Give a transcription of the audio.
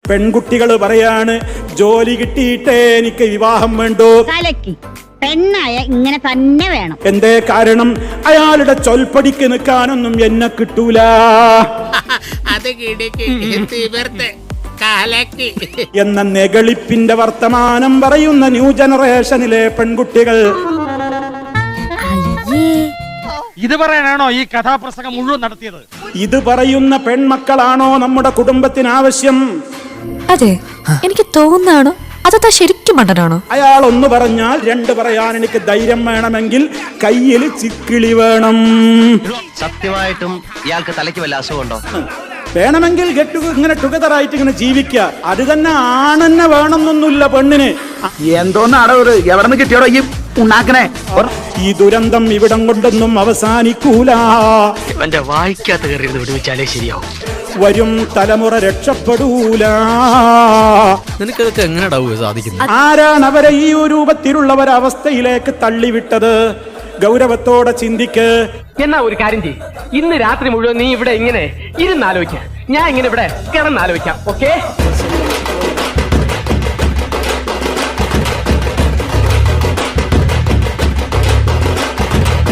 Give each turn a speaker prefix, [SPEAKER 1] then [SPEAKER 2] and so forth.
[SPEAKER 1] പെൺകുട്ടികൾ പറയാണ് ജോലി കിട്ടിയിട്ടേ എനിക്ക് വിവാഹം വേണ്ടൂ.
[SPEAKER 2] കലക്കി പെണ്ണായ ഇങ്ങനെ തന്നെ വേണം.
[SPEAKER 1] എന്തേ കാരണം? അയാളുടെ ചൊൽപ്പടിക്ക് നിൽക്കാനൊന്നും എന്നെ കിട്ടൂല. എന്ന നെകളിപ്പിന്റെ വർത്തമാനം പറയുന്ന ന്യൂ ജനറേഷനിലെ പെൺകുട്ടികൾ.
[SPEAKER 3] ഇത് പറയാനാണോ ഈ കഥാപ്രസംഗം മുഴുവൻ നടത്തിയത്?
[SPEAKER 1] ഇത് പറയുന്ന പെൺമക്കളാണോ നമ്മുടെ കുടുംബത്തിന് ആവശ്യം?
[SPEAKER 4] അതെ, എനിക്ക് തോന്നാണോ അതാ ശരിക്കും മണ്ടനാണോ?
[SPEAKER 1] അയാൾ ഒന്ന് പറഞ്ഞാൽ രണ്ട് പറയാൻ എനിക്ക് ധൈര്യം വേണമെങ്കിൽ കയ്യിൽ ചിക്കിളി വേണം.
[SPEAKER 5] സത്യമായിട്ടും ഇയാൾക്ക് തലയ്ക്ക് വല്ല അസുഖമുണ്ടോ?
[SPEAKER 1] വേണമെങ്കിൽ ഇങ്ങനെ ടുഗദറായിട്ട് ഇങ്ങനെ ജീവിക്കുക. അത് തന്നെ ആണെന്നെ വേണമെന്നൊന്നുമില്ല പെണ്ണിന്.
[SPEAKER 6] എന്തോന്നാടോ എവിടെ നിന്ന് കിട്ടിയോടോ ഈ ഉണ്ടാക്കണേ?
[SPEAKER 1] ഈ ദുരന്തം ഇവിടം കൊണ്ടൊന്നും അവസാനിക്കൂല.
[SPEAKER 5] എന്റെ വായിക്കാത്ത കയറി വിടുവിച്ചാലേ ശരിയാവും.
[SPEAKER 1] വരും തലമുറ രക്ഷപ്പെടൂല.
[SPEAKER 7] നിനക്കതൊക്കെ എങ്ങനെയാ സാധിക്കുന്നത്?
[SPEAKER 1] ആരാണ് അവരെ ഈ രൂപത്തിലുള്ള ഒരവസ്ഥയിലേക്ക് തള്ളിവിട്ടത്? ഗൗരവത്തോടെ ചിന്തിക്ക്.
[SPEAKER 8] എന്നാ ഒരു കാര്യം ചെയ്യ്, ഇന്ന് രാത്രി മുഴുവൻ നീ ഇവിടെ ഇങ്ങനെ ഇരുന്നാലോചിക്കാം, ഞാൻ ഇങ്ങനെ ഇവിടെ കിടന്നാലോചിക്കാം. ഓക്കേ?